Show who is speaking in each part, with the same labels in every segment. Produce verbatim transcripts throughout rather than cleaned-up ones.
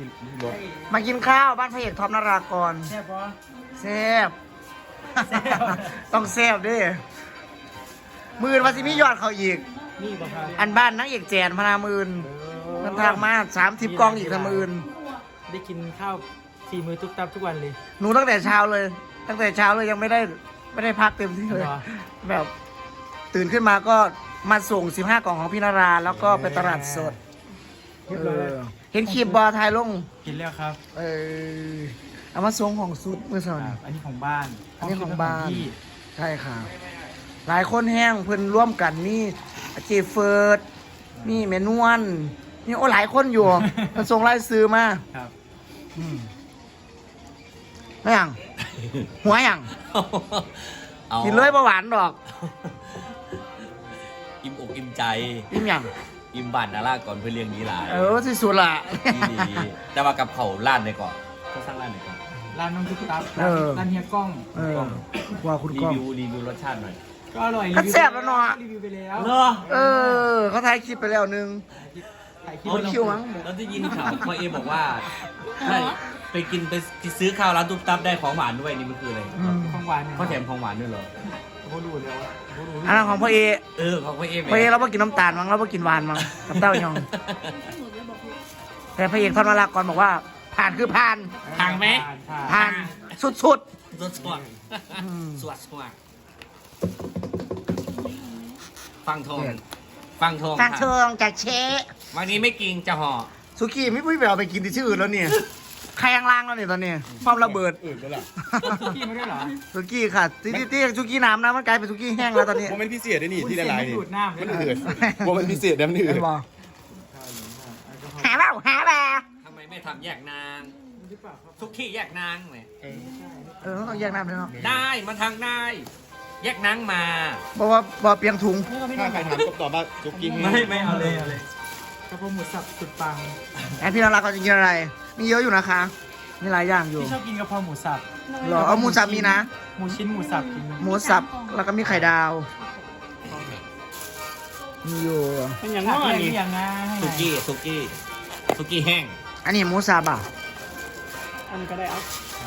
Speaker 1: รถ
Speaker 2: มากินข้าวบ้านพระเอกท็อปนารากร
Speaker 3: แซ่บปะ
Speaker 2: แซ่บต้องแซ่บดิมือนวาซิมียอดเขาอีก
Speaker 3: นี่ปะครับ
Speaker 2: อันบ้านนักเอกแจนพนามื่นมันทางมาสามทิปกองอีกทางมื่น
Speaker 3: ได้กินข้าวสี่มื้อทุกตับทุกวันเลย
Speaker 2: หนูตั้งแต่เช้าเลย ตั้งแต่เช้าเลยยังไม่ได้ไม่ได้พักเต็มที่เลย
Speaker 3: เหรอ
Speaker 2: แบบตื่นขึ้นมาก็มาส่งสิบห้ากล่องของพี่นาราแล้วก็ไปตลาดสด
Speaker 3: เรียบร้อยแล้ว
Speaker 2: เห็นคลิปบอทายลง
Speaker 3: กินแล้วครับ
Speaker 2: เออเอามาส่งของสุดเมื่อส
Speaker 3: ค
Speaker 2: ว
Speaker 3: รับ
Speaker 2: น
Speaker 3: อันนี้ของบ้าน
Speaker 2: อันนี้ของบ้าน
Speaker 3: พี่
Speaker 2: ใช่ค่ะ หลายคนแห้งเพิ่นร่วมกันมีเจเฟิร์ดมีเมนวนนี่โอ้หลายคนอยู่ มันส่งรายซื้อมา
Speaker 3: ครับ
Speaker 2: อืมไม่ยังหัวยัง
Speaker 1: อา
Speaker 2: กินเลยเบาหวานดอก
Speaker 1: อิ่มอกอิ่มใจ
Speaker 2: อิ่มยัง
Speaker 1: อิ่มบานนาราก่อนเพื่อเลี้ยงนี้หลาย
Speaker 2: เออที่สุดละ
Speaker 1: ที่ดีแต่ว่ากับเขาล้านในก่อนเขาสร้างล้านในก่อน
Speaker 3: ร้านน้องทุกตับ
Speaker 2: เออ
Speaker 3: ร้านเฮียกล้อง
Speaker 2: เออว่าคุณ
Speaker 1: รี
Speaker 2: ก้อง
Speaker 1: วิวรีวิวรสชาติหน่อย
Speaker 3: ก็อร่อย
Speaker 2: ก็แซ่บแล้วเนาะ
Speaker 3: รีวิวไปแล้ว
Speaker 1: เนาะ
Speaker 2: เออ เขาถ่ายคลิปไปแล้วนึง
Speaker 3: ถ่ายคลิป
Speaker 2: เอาคิวมั้ง
Speaker 1: แล้วที่ยินข่าวพ่อเอบอกว่าใช่ไปกินไปซื้อข้าวร้านตุ๊บตับได้ของหวานด้วยนี่มันคืออะไร
Speaker 2: อืม
Speaker 3: ของหวานเนี่ย
Speaker 1: เขาแถมของหวานด้วยเหรอ
Speaker 3: เขาดูแล้วอะเขาดู
Speaker 2: อันนั้นของพ่อเอ
Speaker 1: เออของพ่อเอ
Speaker 2: พ่อเอเราไม่กินน้ำตาลมั้งเราไม่กินหวานมั้งกับเต้ายอง แต่พระเอกทอนมาลากรบอกว่า ผ่านคือผ่าน
Speaker 1: ทางไหม
Speaker 3: ผ่าน
Speaker 2: ผ่านสุด
Speaker 1: สวดสวด
Speaker 2: อืม
Speaker 1: สวดสวดฟังทองฟังทอง
Speaker 2: ๆทางเชิงจากเชะ
Speaker 1: วันนี้ไม่กินจะห่อ
Speaker 2: สุกี้ไม่พูดไปเอาไปกินที่ชื่ออื่นแล้วเนี่ยใครยังล่างแล้วเนี่ยตอนนี้ความระเบิด
Speaker 4: อื่นแล้วล่ะ
Speaker 3: พี่ไม่ได้เหรอ
Speaker 2: สุกี้ค่ะที่ที่ที่สุกี้น้ำนะมันกลายเป็นสุกี้แห้งแล้วตอนนี้
Speaker 4: โมเมนต์พิเศษด้วยนี่ที่ละลายนี่
Speaker 3: ดูดน้ำ
Speaker 4: มัน
Speaker 3: เลย
Speaker 4: อืดโมเมนต์พิเศษนะมันอื
Speaker 2: เห็
Speaker 4: ด
Speaker 2: นบอกหาเปล่าหาเปล่า
Speaker 1: ทำไมไม่ทำแยกนางทุกที่แยกนางเลย
Speaker 2: เออต้องแยกน้ำเลยเนาะ
Speaker 1: ได้มาทางได้ แยกนางมา
Speaker 2: บอกว่าบอกเปียงถุง
Speaker 4: ถ้าใครถามก็ตอบว่าจุกกิ้ง
Speaker 1: ไม่ไม่เอาเลยเอาเลย
Speaker 3: กระเพราหมูสับสุดปัง
Speaker 2: แอนพี่นาราก็จะกินอะไร มีเยอะอยู่นะคะ มีหลายอย่างอยู่
Speaker 3: พี่ชอบกินกระเพราหมูสับ
Speaker 2: หรอเอาหมูสับมีนะ
Speaker 3: หมูชิ้นหมูสับกินไหม
Speaker 2: หมูสับแล้วก็มีไข่ดาว มีอยู่
Speaker 3: เป็นอย่างงั้นเป็นอย่างงั้น
Speaker 1: สุกี้สุกี้สุกี้แห้ง
Speaker 2: อันนี้หมูสับอ่ะ
Speaker 3: อันนี้ก็ได้เอา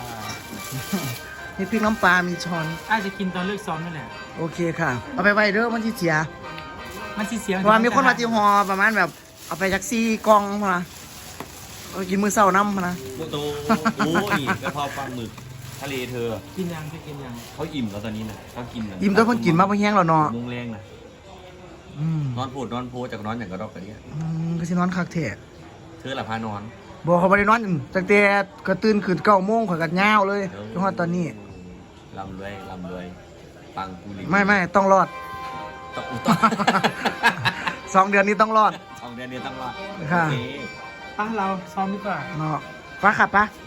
Speaker 2: มีพริกน้ำปลา มีช้อน
Speaker 3: อาจจะกินตอนเลิกซ้อมนั่นแหละ
Speaker 2: โอเคค่ะ เอาไปไว้เด้อมันที่เสีย
Speaker 3: มันสิเสียง
Speaker 2: เพราะว่ามีคนมาที่ฮอประมาณแบบ เอาไปจากซี่กล่องมาเอาไปกินมื้อเช้าน้ำมานะ
Speaker 1: โมโตโอ้ยกระเพราปลาหมึกทะเลเธอ
Speaker 3: กินยังจะกินยัง
Speaker 1: เขาอิ่มแล้วตอนนี้นะเขากินนะ
Speaker 2: ยิ้มตัวเพิ่นกินมากเพิ่นแห้งแล้วเนาะ
Speaker 1: มุงแรงนะ
Speaker 2: อืม
Speaker 1: นอนพูดนอนโพจากนอนอย่างกระดอกกระเดีย
Speaker 2: อืมก็สินอนคักแท้
Speaker 1: เธอหลับพานอน
Speaker 2: บอกเขาบ่ได้นอนตั้งแต่ก็ตื่นขึ้นเก้าโมงข่อยก็ยาวเลยจนฮอดตอนนี้
Speaker 1: ลำรวยลำรวยปังกูริ
Speaker 2: ไม่ไม่ต้องรอด
Speaker 1: ต้องต้อง
Speaker 2: สองเดือนนี้ต้องรอด
Speaker 1: สองเดือนนี้ต้องรอด
Speaker 2: ค่ะ
Speaker 1: โอเค
Speaker 3: ป้าเราซ้อมดีกว่า
Speaker 2: เนาะป้าขับปะ
Speaker 1: ไ